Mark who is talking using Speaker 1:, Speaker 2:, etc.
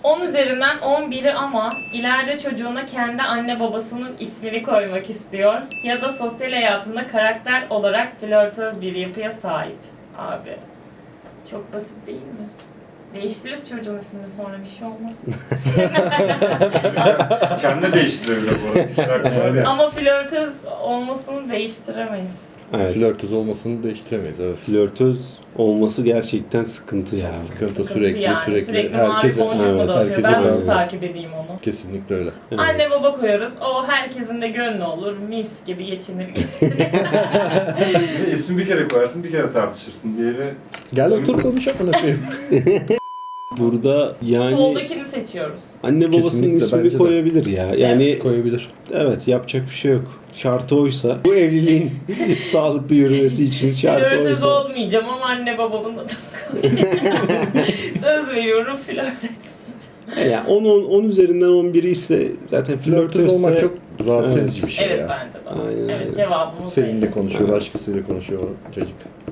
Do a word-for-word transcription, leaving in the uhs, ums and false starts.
Speaker 1: on üzerinden on biri ama ileride çocuğuna kendi anne babasının ismini koymak istiyor. Ya da sosyal hayatında karakter olarak flörtöz bir yapıya sahip. Abi çok basit değil mi? Değiştiririz çocuğun ismini sonra bir şey olmaz.
Speaker 2: Kendi değiştirebilir bu arada. Karakter yani.
Speaker 1: Ama flörtöz olmasını değiştiremeyiz.
Speaker 3: Evet.
Speaker 4: Flörtöz olmasını değiştiremeyiz, evet.
Speaker 3: Flörtöz olması gerçekten sıkıntı ya.
Speaker 4: Sıkıntı,
Speaker 1: Sıkıntı
Speaker 4: sürekli
Speaker 1: yani.
Speaker 4: sürekli,
Speaker 1: Sürekli
Speaker 4: herkese,
Speaker 1: mavi boncuk mu
Speaker 3: evet,
Speaker 1: dağıtıyor?
Speaker 4: herkese
Speaker 1: Ben nasıl
Speaker 4: bağlı.
Speaker 1: takip edeyim onu?
Speaker 4: Kesinlikle öyle.
Speaker 3: Evet.
Speaker 1: Anne baba koyuyoruz. O herkesin de gönlü olur. Mis gibi geçinir.
Speaker 2: Bir de ismi bir kere koyarsın, bir kere tartışırsın. Diğeri
Speaker 4: Gel otur konuşalım koyayım.
Speaker 3: Burada yani
Speaker 1: Soldakini seçiyoruz.
Speaker 3: anne babasının
Speaker 4: Kesinlikle,
Speaker 3: ismini
Speaker 4: bence de.
Speaker 3: koyabilir ya. Yani
Speaker 4: Koyabilir.
Speaker 3: evet, yapacak bir şey yok. Şartı oysa, bu evliliğin sağlıklı yürümesi için şartı
Speaker 1: Flörtöz
Speaker 3: oysa.
Speaker 1: olmayacağım ama anne babamın adını koyacağım. Söz veriyorum flört etmeyeceğim.
Speaker 3: Yani on, on, on üzerinden on biri ise zaten
Speaker 4: Flörtöz
Speaker 3: flörtözse
Speaker 4: olmak çok rahatsız
Speaker 3: Evet.
Speaker 4: edici bir şey
Speaker 1: Evet
Speaker 4: ya.
Speaker 1: bence de.
Speaker 3: Aynen öyle.
Speaker 1: Evet cevabımız
Speaker 4: Seninle
Speaker 1: belli.
Speaker 4: konuşuyor, başkasıyla konuşuyor o çocuk.